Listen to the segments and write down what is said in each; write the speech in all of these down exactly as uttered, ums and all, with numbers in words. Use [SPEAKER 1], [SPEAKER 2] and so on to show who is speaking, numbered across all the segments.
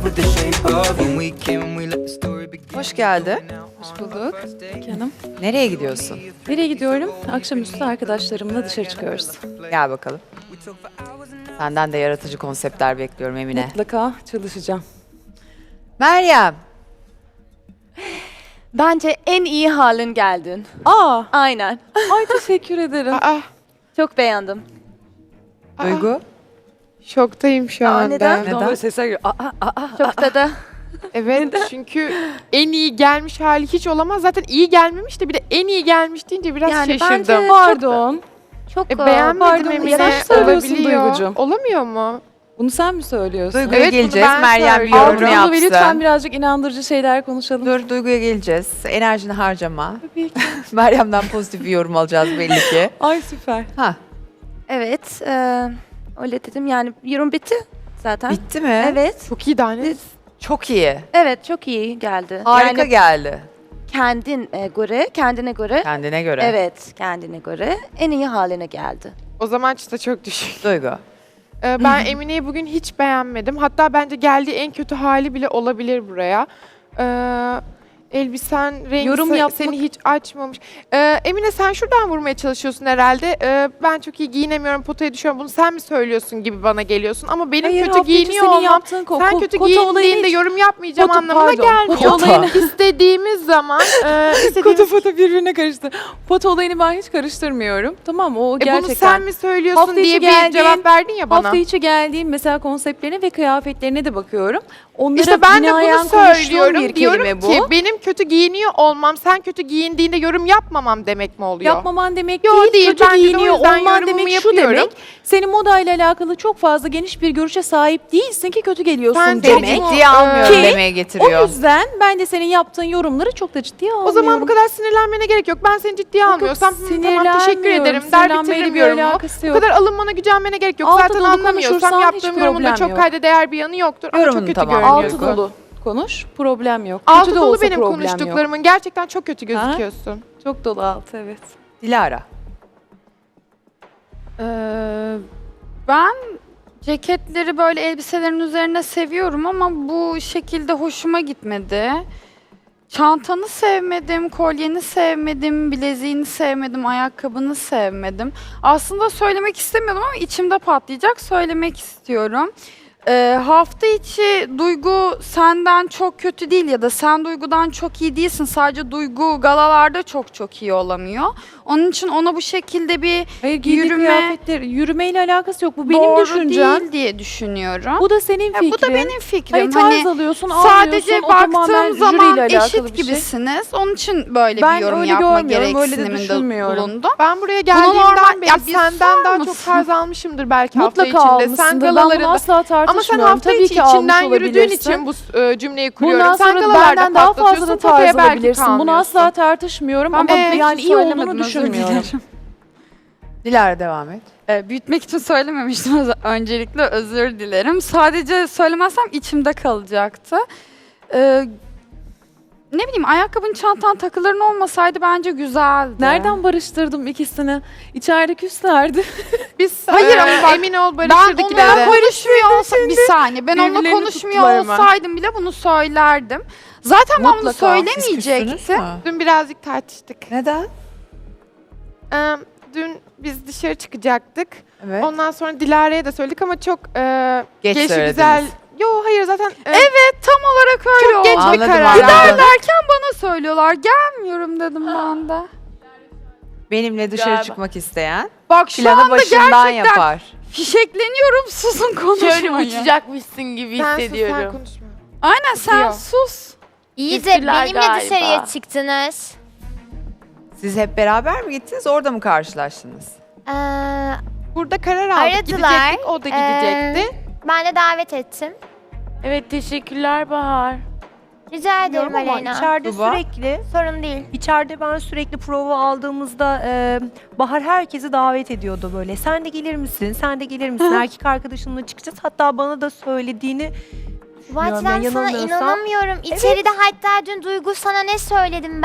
[SPEAKER 1] with the shape of when we came, we let the story begin.
[SPEAKER 2] Hoş geldin.
[SPEAKER 3] Hoş bulduk canım.
[SPEAKER 2] Nereye gidiyorsun?
[SPEAKER 3] Nereye gidiyorum? Akşamüstü arkadaşlarımla dışarı çıkıyoruz.
[SPEAKER 2] Gel bakalım. Senden de yaratıcı konseptler bekliyorum Emine.
[SPEAKER 3] Mutlaka çalışacağım.
[SPEAKER 2] Meryem.
[SPEAKER 4] Bence en iyi halin geldin.
[SPEAKER 3] Aa,
[SPEAKER 4] Aynen.
[SPEAKER 3] ay teşekkür ederim.
[SPEAKER 5] Aa,
[SPEAKER 4] Çok beğendim.
[SPEAKER 2] Duygu.
[SPEAKER 5] şoktayım şu
[SPEAKER 4] Aa,
[SPEAKER 5] anda.
[SPEAKER 4] neden?
[SPEAKER 3] Neden? Böyle sesler geliyor. Aa, aa, aa.
[SPEAKER 4] Çok da da.
[SPEAKER 5] Evet çünkü en iyi gelmiş hali hiç olamaz. Zaten iyi gelmemiş de bir de en iyi gelmiş deyince biraz
[SPEAKER 4] Yani
[SPEAKER 5] şaşırdım.
[SPEAKER 4] bence-
[SPEAKER 3] Pardon.
[SPEAKER 4] Çok
[SPEAKER 5] E, beğenmedim
[SPEAKER 3] Pardon,
[SPEAKER 5] Emine.
[SPEAKER 3] yanlış söylüyorsun
[SPEAKER 5] Olabiliyor.
[SPEAKER 3] Duygucuğum.
[SPEAKER 5] Olamıyor mu?
[SPEAKER 3] Bunu sen mi söylüyorsun?
[SPEAKER 2] Duygu'ya
[SPEAKER 5] Evet, bunu
[SPEAKER 2] geleceğiz.
[SPEAKER 5] ben
[SPEAKER 2] Meryem bir
[SPEAKER 5] söylüyorum.
[SPEAKER 2] yorumunu
[SPEAKER 3] Altını ve lütfen
[SPEAKER 2] yapsın.
[SPEAKER 3] birazcık inandırıcı şeyler konuşalım.
[SPEAKER 2] Dur Duygu'ya geleceğiz. Enerjini harcama.
[SPEAKER 3] Tabii ki.
[SPEAKER 2] Meryem'den pozitif bir yorum alacağız belli ki.
[SPEAKER 3] Ay süper.
[SPEAKER 2] Ha,
[SPEAKER 4] Evet. E, öyle dedim yani yorum bitti zaten.
[SPEAKER 2] bitti mi?
[SPEAKER 4] Evet.
[SPEAKER 5] Çok iyi daha ne?
[SPEAKER 2] Çok iyi.
[SPEAKER 4] Evet çok iyi geldi.
[SPEAKER 2] Harika
[SPEAKER 4] yani
[SPEAKER 2] geldi.
[SPEAKER 4] kendin e, göre, kendine göre.
[SPEAKER 2] Kendine göre.
[SPEAKER 4] Evet, kendine göre en iyi haline geldi.
[SPEAKER 5] O zaman çıta çok düşük.
[SPEAKER 2] Duygu.
[SPEAKER 5] Ee, ben Emine'yi bugün hiç beğenmedim. Hatta bence geldiği en kötü hali bile olabilir buraya. Ee, elbisen rengi
[SPEAKER 3] Yorum
[SPEAKER 5] se-
[SPEAKER 3] yapmak-
[SPEAKER 5] seni hiç açmamış. Ee, Emine sen şuradan vurmaya çalışıyorsun herhalde. Ee, ben çok iyi giyinemiyorum, potaya düşüyorum. Bunu sen mi söylüyorsun gibi bana geliyorsun. Ama benim
[SPEAKER 3] Hayır,
[SPEAKER 5] kötü
[SPEAKER 3] hafta içi
[SPEAKER 5] giyiniyor
[SPEAKER 3] senin
[SPEAKER 5] olmam,
[SPEAKER 3] yaptığın ko-
[SPEAKER 5] sen
[SPEAKER 3] ko-
[SPEAKER 5] kötü
[SPEAKER 3] kota olayını
[SPEAKER 5] giyindiğinde
[SPEAKER 3] hiç-
[SPEAKER 5] yorum yapmayacağım
[SPEAKER 3] Kota-
[SPEAKER 5] anlamına
[SPEAKER 3] pardon,
[SPEAKER 5] gelmiyor.
[SPEAKER 3] kota olayını-
[SPEAKER 5] İstediğimiz zaman, e, istediğimiz...
[SPEAKER 3] Foto foto birbirine karıştı. Foto olayını ben hiç karıştırmıyorum. Tamam mı? O
[SPEAKER 5] E,
[SPEAKER 3] gerçekten.
[SPEAKER 5] bunu sen mi söylüyorsun
[SPEAKER 3] Hafta içi
[SPEAKER 5] diye bir
[SPEAKER 3] geldiğin-
[SPEAKER 5] cevap verdin ya bana.
[SPEAKER 3] Hafta içi geldiğim mesela konseptlerine ve kıyafetlerine de bakıyorum. Onlara
[SPEAKER 5] İşte ben de
[SPEAKER 3] binaen
[SPEAKER 5] bunu
[SPEAKER 3] konuştuğum
[SPEAKER 5] söylüyorum.
[SPEAKER 3] bir
[SPEAKER 5] Diyorum
[SPEAKER 3] kelime
[SPEAKER 5] ki
[SPEAKER 3] bu.
[SPEAKER 5] benim kötü giyiniyor olmam, sen kötü giyindiğinde yorum yapmamam demek mi oluyor?
[SPEAKER 3] Yapmaman demek
[SPEAKER 5] Yo,
[SPEAKER 3] değil,
[SPEAKER 5] değil.
[SPEAKER 3] kötü
[SPEAKER 5] Bence de o
[SPEAKER 3] giyiniyor
[SPEAKER 5] yüzden
[SPEAKER 3] olman
[SPEAKER 5] yorumumu
[SPEAKER 3] demek şu
[SPEAKER 5] yapıyorum.
[SPEAKER 3] demek. Senin modayla alakalı çok fazla geniş bir görüşe sahip değilsin ki kötü geliyorsun
[SPEAKER 5] Sen
[SPEAKER 3] demek.
[SPEAKER 5] çok-
[SPEAKER 2] Ciddiye almıyorum
[SPEAKER 3] Ki
[SPEAKER 2] demeye
[SPEAKER 3] O
[SPEAKER 2] getiriyor.
[SPEAKER 3] yüzden ben de senin yaptığın yorumları çok da ciddiye almıyorum.
[SPEAKER 5] O zaman bu kadar sinirlenmene gerek yok. Ben seni ciddiye
[SPEAKER 3] Yok,
[SPEAKER 5] almıyorsam hı, tamam
[SPEAKER 3] sinirlenmiyorum.
[SPEAKER 5] teşekkür ederim der
[SPEAKER 3] Sinirlenmeyle
[SPEAKER 5] bitiririm
[SPEAKER 3] bir
[SPEAKER 5] yorumumu.
[SPEAKER 3] alakası
[SPEAKER 5] Bu
[SPEAKER 3] yok.
[SPEAKER 5] kadar alınmana gücenmene gerek yok.
[SPEAKER 3] Altı
[SPEAKER 5] Zaten
[SPEAKER 3] dolu
[SPEAKER 5] anlamıyorsam
[SPEAKER 3] konuşursan
[SPEAKER 5] yaptığım
[SPEAKER 3] hiç
[SPEAKER 5] yorumunda
[SPEAKER 3] problem
[SPEAKER 5] çok
[SPEAKER 3] yok.
[SPEAKER 5] kayda değer bir yanı yoktur. Ama
[SPEAKER 2] Yorumunu
[SPEAKER 5] çok kötü
[SPEAKER 2] tamam.
[SPEAKER 5] görünüyorsun.
[SPEAKER 3] Altı dolu konuş, problem yok.
[SPEAKER 5] Altı
[SPEAKER 3] Kötü de
[SPEAKER 5] dolu
[SPEAKER 3] olsa
[SPEAKER 5] benim
[SPEAKER 3] problem yok.
[SPEAKER 5] konuştuklarımın. Gerçekten çok kötü gözüküyorsun.
[SPEAKER 3] Çok dolu altı, evet.
[SPEAKER 2] Dilara.
[SPEAKER 6] Ee, ben ceketleri böyle elbiselerin üzerine seviyorum ama bu şekilde hoşuma gitmedi. Çantanı sevmedim, kolyeni sevmedim, bileziğini sevmedim, ayakkabını sevmedim. Aslında söylemek istemiyordum ama içimde patlayacak, söylemek istiyorum. Ee, hafta içi Duygu senden çok kötü değil ya da sen Duygu'dan çok iyi değilsin. Sadece Duygu galalarda çok çok iyi olamıyor. Onun için ona bu şekilde bir
[SPEAKER 3] Hayır, giydiği
[SPEAKER 6] Yürüme-
[SPEAKER 3] kıyafetler, yürümeyle alakası yok. Bu benim
[SPEAKER 6] doğru
[SPEAKER 3] düşüncem.
[SPEAKER 6] değil diye düşünüyorum.
[SPEAKER 3] Bu da senin
[SPEAKER 6] Ya
[SPEAKER 3] fikrin.
[SPEAKER 6] bu da benim fikrim.
[SPEAKER 3] Hayır, tarz
[SPEAKER 6] Hani
[SPEAKER 3] alıyorsun,
[SPEAKER 6] sadece
[SPEAKER 3] almıyorsun. O tamamen
[SPEAKER 6] baktığım zaman
[SPEAKER 3] jüriyle alakalı
[SPEAKER 6] eşit
[SPEAKER 3] bir şey.
[SPEAKER 6] gibisiniz. Onun için böyle
[SPEAKER 3] Ben
[SPEAKER 6] bir yorum
[SPEAKER 3] öyle
[SPEAKER 6] yapma
[SPEAKER 3] görmüyorum, öyle de
[SPEAKER 6] gereksiniminde
[SPEAKER 3] düşünmüyorum.
[SPEAKER 6] bulundum.
[SPEAKER 5] Ben buraya
[SPEAKER 6] normal-
[SPEAKER 5] geldiğimden beri
[SPEAKER 6] Ya bir
[SPEAKER 5] senden
[SPEAKER 6] sor
[SPEAKER 5] daha çok
[SPEAKER 6] musun?
[SPEAKER 5] tarz almışımdır belki hafta
[SPEAKER 3] Mutlaka
[SPEAKER 5] içinde. Sen
[SPEAKER 3] almışsındır. Ben bunu
[SPEAKER 5] galalarında.
[SPEAKER 3] asla
[SPEAKER 5] Ama sen
[SPEAKER 3] tartışmıyorum.
[SPEAKER 5] hafta
[SPEAKER 3] Tabii
[SPEAKER 5] içi
[SPEAKER 3] ki almış
[SPEAKER 5] içinden yürüdüğün
[SPEAKER 3] olabilirsin.
[SPEAKER 5] için bu e, cümleyi kuruyorum.
[SPEAKER 3] Bundan
[SPEAKER 5] Sen
[SPEAKER 3] sonra da
[SPEAKER 5] galalarda
[SPEAKER 3] benden daha fazla da
[SPEAKER 5] patlatıyorsun, potaya
[SPEAKER 3] tarz
[SPEAKER 5] belki
[SPEAKER 3] alabilirsin. Bunu
[SPEAKER 5] kalmıyorsun.
[SPEAKER 3] asla tartışmıyorum
[SPEAKER 6] Ben
[SPEAKER 3] ama
[SPEAKER 6] büyütmek
[SPEAKER 3] yani
[SPEAKER 6] için
[SPEAKER 3] iyi olduğunu
[SPEAKER 6] söylemedim, özür
[SPEAKER 3] düşünmüyorum.
[SPEAKER 6] dilerim.
[SPEAKER 2] Dilara devam et.
[SPEAKER 6] Ee, büyütmek için söylememiştim. öz- Öncelikle özür dilerim. Sadece söylemezsem içimde kalacaktı. Ee, ne bileyim ayakkabın, çantan, takıların olmasaydı bence güzeldi.
[SPEAKER 3] Nereden barıştırdım ikisini? İçeride küslerdi.
[SPEAKER 5] Biz
[SPEAKER 6] Hayır
[SPEAKER 5] e,
[SPEAKER 6] ama bak,
[SPEAKER 5] emin ol
[SPEAKER 6] Ben
[SPEAKER 5] barışırdık
[SPEAKER 6] onunla
[SPEAKER 5] ileride.
[SPEAKER 6] konuşmuyor olsam bir saniye. Ben onunla
[SPEAKER 3] birbirlerini
[SPEAKER 6] konuşmuyor
[SPEAKER 3] tuttular hemen.
[SPEAKER 6] olsaydım bile bunu söylerdim. Zaten ben bunu
[SPEAKER 2] Mutlaka. Siz
[SPEAKER 6] söylemeyecektim.
[SPEAKER 2] küstünüz mü?
[SPEAKER 5] Dün birazcık tartıştık.
[SPEAKER 2] Neden?
[SPEAKER 5] Ee, dün biz dışarı çıkacaktık.
[SPEAKER 2] Evet.
[SPEAKER 5] Ondan sonra Dilara'ya da söyledik ama çok e,
[SPEAKER 2] Geç
[SPEAKER 5] gelişi
[SPEAKER 2] söylediniz.
[SPEAKER 5] güzel. Yo hayır zaten e,
[SPEAKER 6] Evet tam olarak öyle
[SPEAKER 5] çok
[SPEAKER 6] oldu.
[SPEAKER 5] geç bir
[SPEAKER 2] Anladım,
[SPEAKER 5] karar.
[SPEAKER 2] anladım.
[SPEAKER 6] Giderlerken bana söylüyorlar. Gelmiyorum dedim ben de.
[SPEAKER 2] Benimle dışarı
[SPEAKER 3] Galiba.
[SPEAKER 2] çıkmak isteyen
[SPEAKER 6] Bak şu
[SPEAKER 2] planı
[SPEAKER 6] anda
[SPEAKER 2] başından
[SPEAKER 6] gerçekten
[SPEAKER 2] yapar.
[SPEAKER 6] fişekleniyorum, susun konuşmayın.
[SPEAKER 7] Şöyle uçacakmışsın gibi
[SPEAKER 5] Sen sus, sen
[SPEAKER 7] hissediyorum.
[SPEAKER 5] konuşma.
[SPEAKER 6] Aynen sen
[SPEAKER 5] Diyor.
[SPEAKER 6] sus.
[SPEAKER 8] İyi de
[SPEAKER 7] Gittiler
[SPEAKER 8] benimle
[SPEAKER 7] galiba.
[SPEAKER 8] dışarıya çıktınız.
[SPEAKER 2] Siz hep beraber mi gittiniz? Orada mı karşılaştınız?
[SPEAKER 8] Ee,
[SPEAKER 5] Burada karar aldık.
[SPEAKER 8] Aradılar.
[SPEAKER 5] Gidecektik, o da gidecekti.
[SPEAKER 8] ben de davet ettim.
[SPEAKER 7] Evet teşekkürler Bahar.
[SPEAKER 8] Rica ederim
[SPEAKER 9] Ama
[SPEAKER 8] Aleyna.
[SPEAKER 9] içeride
[SPEAKER 2] Tuba?
[SPEAKER 9] sürekli,
[SPEAKER 8] Sorun değil.
[SPEAKER 9] içeride ben sürekli prova aldığımızda e, Bahar herkesi davet ediyordu böyle. Sen de gelir misin? Sen de gelir misin? Erkek arkadaşınla çıkacağız. Hatta bana da söylediğini
[SPEAKER 8] Bu açıdan
[SPEAKER 9] ben
[SPEAKER 8] sana
[SPEAKER 9] yanılmıyorsam-
[SPEAKER 8] inanamıyorum. İçeride hatta dün Duygu sana ne söyledim ben?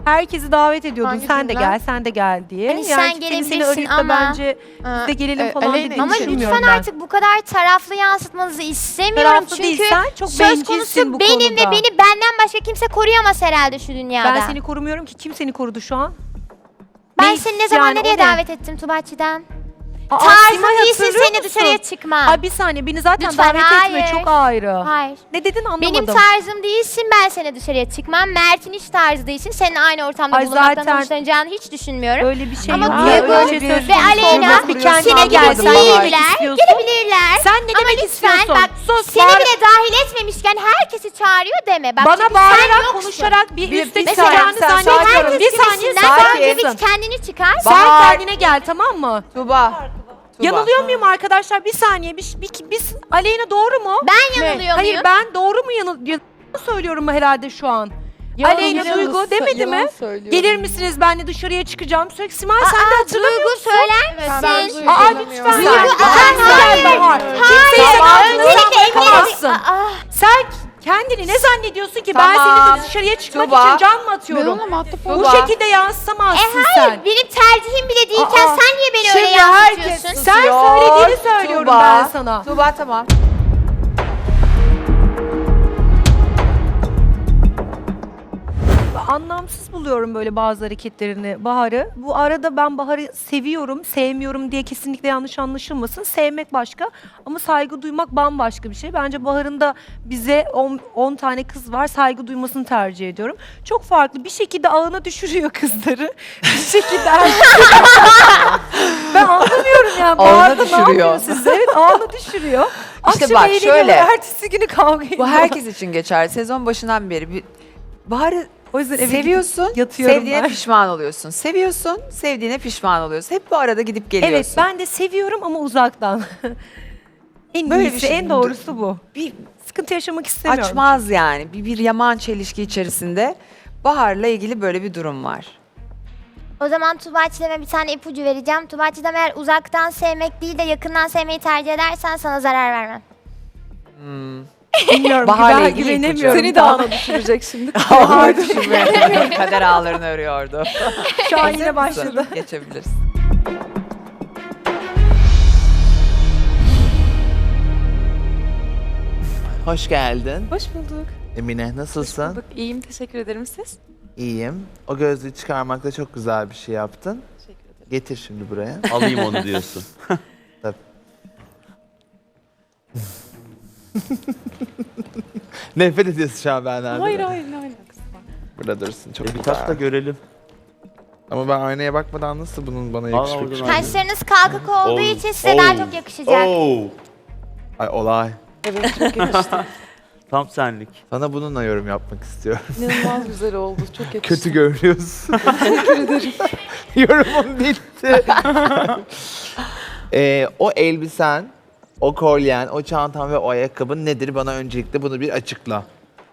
[SPEAKER 9] Herkesi davet ediyordun.
[SPEAKER 5] Hangi
[SPEAKER 9] sen de
[SPEAKER 5] cümle?
[SPEAKER 9] gel, sen de gel diye.
[SPEAKER 8] Hani sen
[SPEAKER 9] yani kimsenin seni
[SPEAKER 8] gelebilirsin
[SPEAKER 9] arayıp da
[SPEAKER 8] ama-
[SPEAKER 9] bence
[SPEAKER 5] Aa,
[SPEAKER 9] biz de gelelim
[SPEAKER 5] e,
[SPEAKER 9] falan
[SPEAKER 5] Aleyna
[SPEAKER 9] dediğini
[SPEAKER 8] Ama
[SPEAKER 9] düşünmüyorum
[SPEAKER 8] lütfen
[SPEAKER 9] ben.
[SPEAKER 8] artık bu kadar taraflı yansıtmanızı istemiyorum.
[SPEAKER 9] Taraflı
[SPEAKER 8] Çünkü
[SPEAKER 9] değilsen çok
[SPEAKER 8] söz
[SPEAKER 9] bencilsin
[SPEAKER 8] konusu
[SPEAKER 9] bu
[SPEAKER 8] benim
[SPEAKER 9] konuda.
[SPEAKER 8] ve beni benden başka kimse koruyamaz herhalde şu dünyada.
[SPEAKER 9] Ben seni korumuyorum ki, kim seni korudu şu an?
[SPEAKER 8] Ben
[SPEAKER 9] Ne-
[SPEAKER 8] seni ne zaman
[SPEAKER 9] yani o
[SPEAKER 8] nereye
[SPEAKER 9] ne?
[SPEAKER 8] davet ettim Tuğba'çıdan?
[SPEAKER 9] Aa,
[SPEAKER 8] Tarzın
[SPEAKER 9] Simay,
[SPEAKER 8] değilsin,
[SPEAKER 9] hatırlıyor
[SPEAKER 8] seni
[SPEAKER 9] musun?
[SPEAKER 8] dışarıya çıkma.
[SPEAKER 9] Ay bir saniye, beni zaten
[SPEAKER 8] Lütfen,
[SPEAKER 9] davet
[SPEAKER 8] hayır.
[SPEAKER 9] etme, çok ayrı.
[SPEAKER 8] Hayır.
[SPEAKER 9] Ne dedin anlamadım.
[SPEAKER 8] Benim tarzım değilsin, ben seni dışarıya çıkmam. Mert'in hiç tarzı değilsin, senin aynı ortamda
[SPEAKER 9] Ay
[SPEAKER 8] bulunmaktan
[SPEAKER 9] zaten-
[SPEAKER 8] hoşlanacağını hiç düşünmüyorum.
[SPEAKER 9] Öyle bir şey
[SPEAKER 8] Ama
[SPEAKER 9] yok.
[SPEAKER 8] Duygu
[SPEAKER 9] ya, öyle bir şey
[SPEAKER 8] ve
[SPEAKER 9] söz konusu
[SPEAKER 8] Aleyna
[SPEAKER 9] olmaz. bir kendine
[SPEAKER 8] seni
[SPEAKER 9] gel. Sen ne demek
[SPEAKER 8] gelebilirler,
[SPEAKER 9] istiyorsun?
[SPEAKER 8] gelebilirler.
[SPEAKER 9] Sen ne
[SPEAKER 8] Ama
[SPEAKER 9] demek
[SPEAKER 8] lütfen
[SPEAKER 9] istiyorsun?
[SPEAKER 8] bak
[SPEAKER 9] Sus,
[SPEAKER 8] seni
[SPEAKER 9] bağır-
[SPEAKER 8] bile dahil etmemişken herkesi çağırıyor deme. Bak,
[SPEAKER 9] Bana
[SPEAKER 8] çünkü sen
[SPEAKER 9] bağırarak,
[SPEAKER 8] yoksun.
[SPEAKER 9] konuşarak bir,
[SPEAKER 2] Bir-
[SPEAKER 9] üste
[SPEAKER 2] bir
[SPEAKER 9] çıkacağını
[SPEAKER 2] saniye, sen
[SPEAKER 9] zannediyorum.
[SPEAKER 2] sakin ol.
[SPEAKER 9] Bir saniye
[SPEAKER 8] Sen
[SPEAKER 9] sakin.
[SPEAKER 8] bir kendini çıkar.
[SPEAKER 9] Sen
[SPEAKER 2] Bahar.
[SPEAKER 9] kendine gel, tamam mı?
[SPEAKER 2] Tuba. Tuba.
[SPEAKER 9] Yanılıyor muyum arkadaşlar? Bir saniye. Bir, bir, biz Aleyna doğru mu?
[SPEAKER 8] Ben yanılıyor
[SPEAKER 9] Hayır,
[SPEAKER 8] muyum?
[SPEAKER 9] ben doğru mu yanıl yanıl- söylüyorum herhalde şu an? Aleyna Duygu demedi mi? Gelir misiniz, benle dışarıya çıkacağım. Sürekli Simay sen de hatırlamıyor
[SPEAKER 8] Duygu
[SPEAKER 9] musun?
[SPEAKER 8] söyler
[SPEAKER 5] Ben
[SPEAKER 8] misin?
[SPEAKER 5] Duygu
[SPEAKER 9] Aa
[SPEAKER 5] tanımıyorum.
[SPEAKER 9] lütfen.
[SPEAKER 2] Duygu,
[SPEAKER 9] Bahar,
[SPEAKER 8] aa,
[SPEAKER 9] sen Bahar.
[SPEAKER 8] hayır.
[SPEAKER 9] Kimseyi
[SPEAKER 8] Hayır,
[SPEAKER 9] sen
[SPEAKER 8] öncelikle Emine-
[SPEAKER 9] yapamazsın.
[SPEAKER 8] Aa,
[SPEAKER 9] Sen kendini ne zannediyorsun ki? Ben
[SPEAKER 2] Tamam.
[SPEAKER 9] seni dışarıya çıkmak
[SPEAKER 2] Tuba.
[SPEAKER 9] için can mı
[SPEAKER 6] Ben
[SPEAKER 9] atıyorum?
[SPEAKER 6] ona muhatap
[SPEAKER 9] Bu
[SPEAKER 2] Tuba.
[SPEAKER 9] şekilde yansıtamazsın
[SPEAKER 8] E
[SPEAKER 9] sen.
[SPEAKER 8] hayır, benim tercihim bile değilken
[SPEAKER 9] Aa,
[SPEAKER 8] sen niye beni öyle
[SPEAKER 2] Şimdi herkes
[SPEAKER 8] yansıtıyorsun?
[SPEAKER 9] Sen
[SPEAKER 2] susuyor.
[SPEAKER 9] söylediğini söylüyorum
[SPEAKER 2] Tuba.
[SPEAKER 9] ben sana.
[SPEAKER 2] Tuba tamam.
[SPEAKER 9] Anlamsız buluyorum böyle bazı hareketlerini Bahar'ı. Bu arada ben Bahar'ı seviyorum, sevmiyorum diye kesinlikle yanlış anlaşılmasın. Sevmek başka ama saygı duymak bambaşka bir şey. Bence Bahar'ın da bize on tane kız var, saygı duymasını tercih ediyorum. Çok farklı bir şekilde ağına düşürüyor kızları. Bir şekilde ben anlamıyorum yani.
[SPEAKER 2] Ağına
[SPEAKER 9] Bahar'da ne
[SPEAKER 2] düşürüyor.
[SPEAKER 9] yapıyor siz? Evet, ağına düşürüyor.
[SPEAKER 2] İşte
[SPEAKER 9] Akşam
[SPEAKER 2] bak
[SPEAKER 9] eğleniyor,
[SPEAKER 2] şöyle.
[SPEAKER 9] ertesi günü kavga ediyor.
[SPEAKER 2] Bu herkes için geçer. Sezon başından beri bir Bahar'ı
[SPEAKER 9] O yüzden eve
[SPEAKER 2] seviyorsun,
[SPEAKER 9] gidip yatıyorum
[SPEAKER 2] sevdiğine
[SPEAKER 9] ben.
[SPEAKER 2] pişman oluyorsun. Seviyorsun, sevdiğine pişman oluyorsun. Hep bu arada gidip geliyorsun.
[SPEAKER 9] Evet, ben de seviyorum ama uzaktan. en
[SPEAKER 2] Böyle bir
[SPEAKER 9] iyisi,
[SPEAKER 2] şey-
[SPEAKER 9] en doğrusu bu.
[SPEAKER 2] bir
[SPEAKER 9] Sıkıntı yaşamak istemiyorum.
[SPEAKER 2] açmaz yani. Bir, bir yaman çelişki içerisinde Bahar'la ilgili böyle bir durum var.
[SPEAKER 8] O zaman Tuğba'cığıma bir tane ipucu vereceğim. Tuğba'cığım eğer uzaktan sevmek değil de yakından sevmeyi tercih edersen sana zarar vermem.
[SPEAKER 9] Bilmiyorum,
[SPEAKER 2] Bahar'la
[SPEAKER 9] güven-
[SPEAKER 2] ilgili
[SPEAKER 9] güvenemiyorum.
[SPEAKER 2] ipucu.
[SPEAKER 9] daha.
[SPEAKER 3] düşürecek şimdi.
[SPEAKER 2] Bahar düşünmüyor. Kader ağlarını örüyordu.
[SPEAKER 9] Şu an
[SPEAKER 2] Hazır
[SPEAKER 9] yine
[SPEAKER 2] mısın?
[SPEAKER 9] başladı.
[SPEAKER 2] Geçebilirsin.
[SPEAKER 10] Hoş geldin.
[SPEAKER 3] Hoş bulduk.
[SPEAKER 10] Emine nasılsın?
[SPEAKER 3] Bulduk. İyiyim, teşekkür ederim siz.
[SPEAKER 10] İyiyim. O gözlüğü çıkarmakta çok güzel bir şey yaptın.
[SPEAKER 3] Teşekkür ederim.
[SPEAKER 10] Getir şimdi buraya.
[SPEAKER 11] Alayım onu diyorsun.
[SPEAKER 10] Nefret ediyorsun şu an benden.
[SPEAKER 3] Hayır
[SPEAKER 10] değil mi?
[SPEAKER 3] hayır ne alakası var.
[SPEAKER 10] Burada dursun çok
[SPEAKER 11] E, bir
[SPEAKER 10] güzel.
[SPEAKER 11] tak da görelim.
[SPEAKER 10] Ama ben aynaya bakmadan nasıl bunun bana
[SPEAKER 11] Al,
[SPEAKER 10] yakışık?
[SPEAKER 11] oradan al.
[SPEAKER 8] Kaşlarınız kalkık olduğu
[SPEAKER 11] Oo,
[SPEAKER 8] için size daha
[SPEAKER 11] oo,
[SPEAKER 8] çok yakışacak.
[SPEAKER 11] oo.
[SPEAKER 10] Ay olay.
[SPEAKER 3] Evet çok yakıştı.
[SPEAKER 11] Tam senlik.
[SPEAKER 10] Sana bununla yorum yapmak istiyorum.
[SPEAKER 3] İnanılmaz güzel oldu. Çok yakıştı.
[SPEAKER 10] Kötü görünüyorsun.
[SPEAKER 3] Teşekkür ederim.
[SPEAKER 10] Yorumum bitti. Ee, o elbisen, o kolyen, o çantan ve o ayakkabın nedir? Bana öncelikle bunu bir açıkla.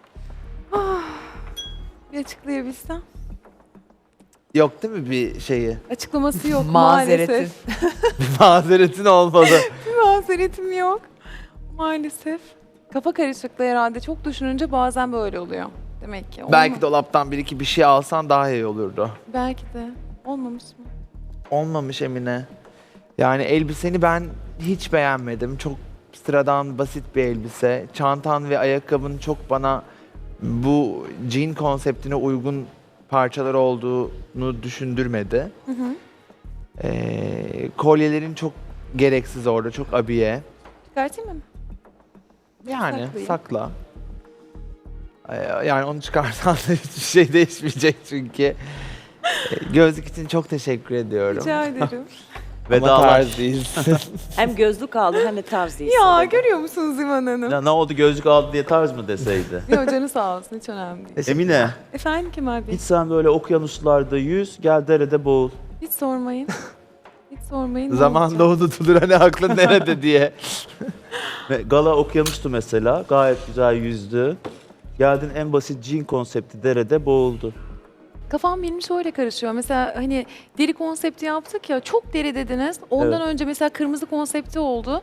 [SPEAKER 3] Bir açıklayabilsem.
[SPEAKER 10] Yok değil mi bir şeyi?
[SPEAKER 3] Açıklaması yok
[SPEAKER 2] Mazeretin.
[SPEAKER 3] maalesef.
[SPEAKER 10] Bir mazeretin olmalı.
[SPEAKER 3] Bir mazeretim yok. Maalesef. Kafa karışıklığı herhalde. Çok düşününce bazen böyle oluyor. Demek ki.
[SPEAKER 10] Belki
[SPEAKER 3] Olma-
[SPEAKER 10] dolaptan bir iki bir şey alsan daha iyi olurdu.
[SPEAKER 3] Belki de. Olmamış mı?
[SPEAKER 10] Olmamış Emine. Yani elbiseni ben hiç beğenmedim. Çok sıradan, basit bir elbise. Çantan ve ayakkabın çok bana bu jean konseptine uygun parçalar olduğunu düşündürmedi.
[SPEAKER 3] Hı hı.
[SPEAKER 10] Ee, kolyelerin çok gereksiz orada, çok abiye.
[SPEAKER 3] Çıkartayım mı?
[SPEAKER 10] Yani
[SPEAKER 3] Saklayayım.
[SPEAKER 10] sakla. Ee, Yani onu çıkarsan da hiçbir şey değişmeyecek çünkü. Ee, Gözlük için çok teşekkür ediyorum.
[SPEAKER 3] Rica ederim.
[SPEAKER 10] Ama
[SPEAKER 11] Vedalaş.
[SPEAKER 10] tarz değilsin.
[SPEAKER 7] Hem gözlük aldı hem de tarz değilsin.
[SPEAKER 3] ya
[SPEAKER 7] dedi.
[SPEAKER 3] görüyor musunuz İvan Hanım?
[SPEAKER 11] Ya ne oldu gözlük aldı diye tarz mı deseydi?
[SPEAKER 3] Yok canı sağ olsun. Hiç önemli değil.
[SPEAKER 11] Emine,
[SPEAKER 3] Efendim Kemal Bey?
[SPEAKER 11] hiç sen böyle okyanuslarda yüz, gel derede boğul.
[SPEAKER 3] Hiç sormayın. Hiç sormayın. ne
[SPEAKER 10] Zamanda
[SPEAKER 3] olacak?
[SPEAKER 10] unutulur hani aklın nerede diye.
[SPEAKER 11] Ve Gala okyanustu mesela, gayet güzel yüzdü. Geldin en basit jean konsepti derede boğuldu.
[SPEAKER 3] Kafam benim şöyle karışıyor. Mesela hani deri konsepti yaptık ya, çok deri dediniz. Ondan
[SPEAKER 11] Evet.
[SPEAKER 3] önce mesela kırmızı konsepti oldu.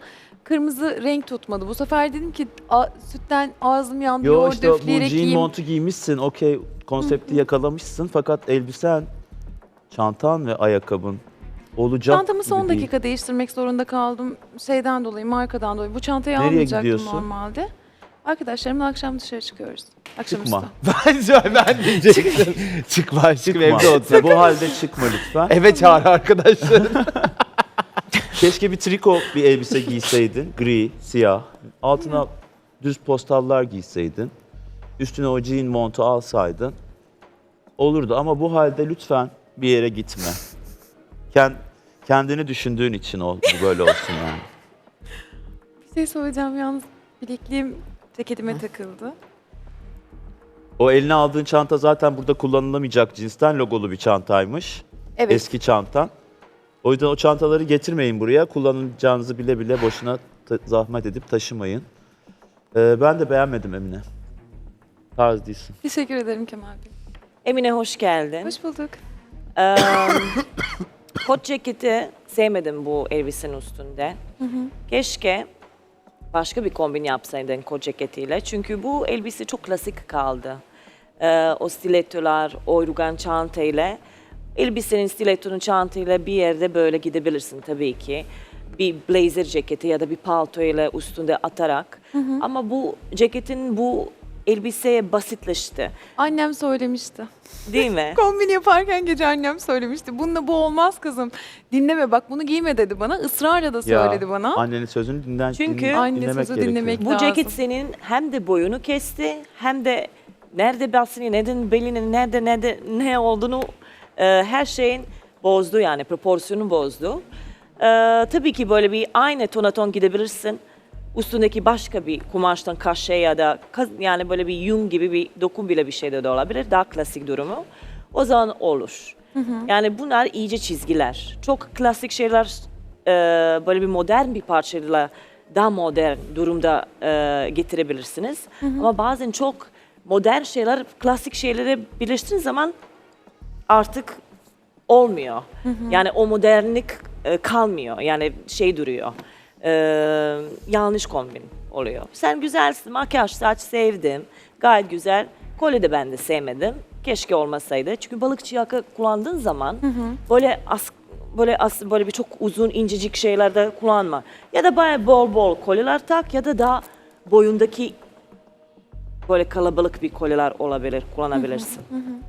[SPEAKER 3] kırmızı renk tutmadı. Bu sefer dedim ki a, sütten ağzım yandı,
[SPEAKER 11] Yo
[SPEAKER 3] yoğurt
[SPEAKER 11] işte bu
[SPEAKER 3] döfleyerek
[SPEAKER 11] jean
[SPEAKER 3] yiyeyim.
[SPEAKER 11] montu giymişsin. Okey, konsepti yakalamışsın fakat elbisen, çantan ve ayakkabın olacak
[SPEAKER 3] Çantamı son
[SPEAKER 11] gibi değil.
[SPEAKER 3] dakika değiştirmek zorunda kaldım. Şeyden dolayı, markadan dolayı. Bu çantayı
[SPEAKER 11] Nereye
[SPEAKER 3] almayacaktım
[SPEAKER 11] gidiyorsun?
[SPEAKER 3] normalde. Arkadaşlarımla akşam dışarı çıkıyoruz. Akşamüstü.
[SPEAKER 11] Çıkma.
[SPEAKER 10] Ben, ben diyecektim. Çıkma aşkım
[SPEAKER 11] Çıkma.
[SPEAKER 10] evde otur.
[SPEAKER 11] Bu halde çıkma lütfen.
[SPEAKER 10] Eve çağır arkadaşlar.
[SPEAKER 11] Keşke bir triko bir elbise giyseydin. Gri, siyah. Altına düz postallar giyseydin. Üstüne o jean montu alsaydın. Olurdu ama bu halde lütfen bir yere gitme. Kend, kendini düşündüğün için ol, bu böyle olsun yani.
[SPEAKER 3] Bir şey söyleyeceğim yalnız. Bilekliğim ceketime takıldı.
[SPEAKER 11] O eline aldığın çanta zaten burada kullanılamayacak cinsten logolu bir çantaymış.
[SPEAKER 3] Evet.
[SPEAKER 11] Eski çantan. O yüzden o çantaları getirmeyin buraya. Kullanacağınızı bile bile boşuna ta- zahmet edip taşımayın. Ee, ben de beğenmedim Emine. Tarz değilsin.
[SPEAKER 3] Teşekkür ederim Kemal Bey.
[SPEAKER 7] Emine hoş geldin.
[SPEAKER 3] Hoş bulduk.
[SPEAKER 7] Ee, kot ceketi sevmedim bu elbisenin üstünde. Keşke başka bir kombin yapsaydın kot ceketiyle. Çünkü bu elbise çok klasik kaldı. Ee, o stilettolar, o rugan çantayla. Elbisenin stilettonun çantayla bir yerde böyle gidebilirsin tabii ki. Bir blazer ceketi ya da bir paltoyla üstünde atarak. Ama bu ceketin bu elbiseye basitleşti.
[SPEAKER 3] Annem söylemişti.
[SPEAKER 7] Değil mi?
[SPEAKER 3] Kombin yaparken gece annem söylemişti. Bununla bu olmaz kızım. Dinleme bak bunu giyme dedi bana. Israrla da söyledi bana.
[SPEAKER 11] Annenin sözünü dinlen,
[SPEAKER 7] Çünkü
[SPEAKER 11] din-
[SPEAKER 3] Anne
[SPEAKER 11] dinlemek
[SPEAKER 3] sözü
[SPEAKER 11] gerekiyor.
[SPEAKER 3] dinlemek
[SPEAKER 7] Bu
[SPEAKER 3] lazım.
[SPEAKER 7] ceket senin hem de boyunu kesti hem de nerede basını, neden belinin nerede nerede ne olduğunu e, her şeyin bozdu yani proporsiyonu bozdu. E, tabii ki böyle bir aynı tonaton gidebilirsin. Üstündeki başka bir kumaştan kaşe ya da kaz- yani böyle bir yün gibi bir dokun bile bir şey de olabilir. Daha klasik durumu. O zaman olur. Yani bunlar iyice çizgiler. Çok klasik şeyler e, böyle bir modern bir parçayla daha modern durumda e, getirebilirsiniz. Ama bazen çok modern şeyler klasik şeyleri birleştirdiğiniz zaman artık olmuyor. Yani o modernlik e, kalmıyor. Yani şey duruyor. E, yanlış kombin oluyor. Sen güzelsin, makyaj, saç sevdim. Gayet güzel. Kolye de ben de sevmedim. Keşke olmasaydı. Çünkü balıkçı yaka kullandığın zaman böyle as böyle as böyle bir çok uzun incecik şeylerde kullanma. Ya da bayağı bol bol kolyeler tak ya da daha boyundaki böyle kalabalık bir kolyeler olabilir, kullanabilirsin.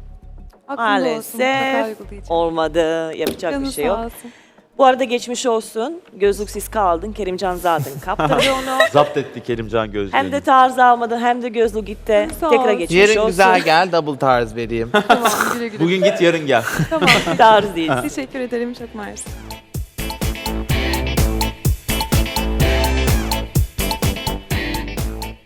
[SPEAKER 3] Aklımda olsun, mutlaka
[SPEAKER 7] Maalesef
[SPEAKER 3] uygulayacağım.
[SPEAKER 7] olmadı. Yapacak
[SPEAKER 3] Canı
[SPEAKER 7] bir şey
[SPEAKER 3] sağ
[SPEAKER 7] yok.
[SPEAKER 3] olsun.
[SPEAKER 7] Bu arada geçmiş olsun. Gözlüksüz kaldın. Kerimcan zaten kaptırdı onu.
[SPEAKER 11] Zapt etti Kerimcan gözlüğünü.
[SPEAKER 7] Hem de tarz almadın hem de gözlük gitti.
[SPEAKER 3] Sağ
[SPEAKER 7] Tekrar
[SPEAKER 3] ol.
[SPEAKER 7] geçmiş
[SPEAKER 10] Yarın
[SPEAKER 7] olsun.
[SPEAKER 10] güzel gel double tarz vereyim.
[SPEAKER 3] Tamam güle güle.
[SPEAKER 11] Bugün git yarın gel.
[SPEAKER 3] Tamam.
[SPEAKER 7] Tarz değil.
[SPEAKER 3] Teşekkür ederim çok mersi.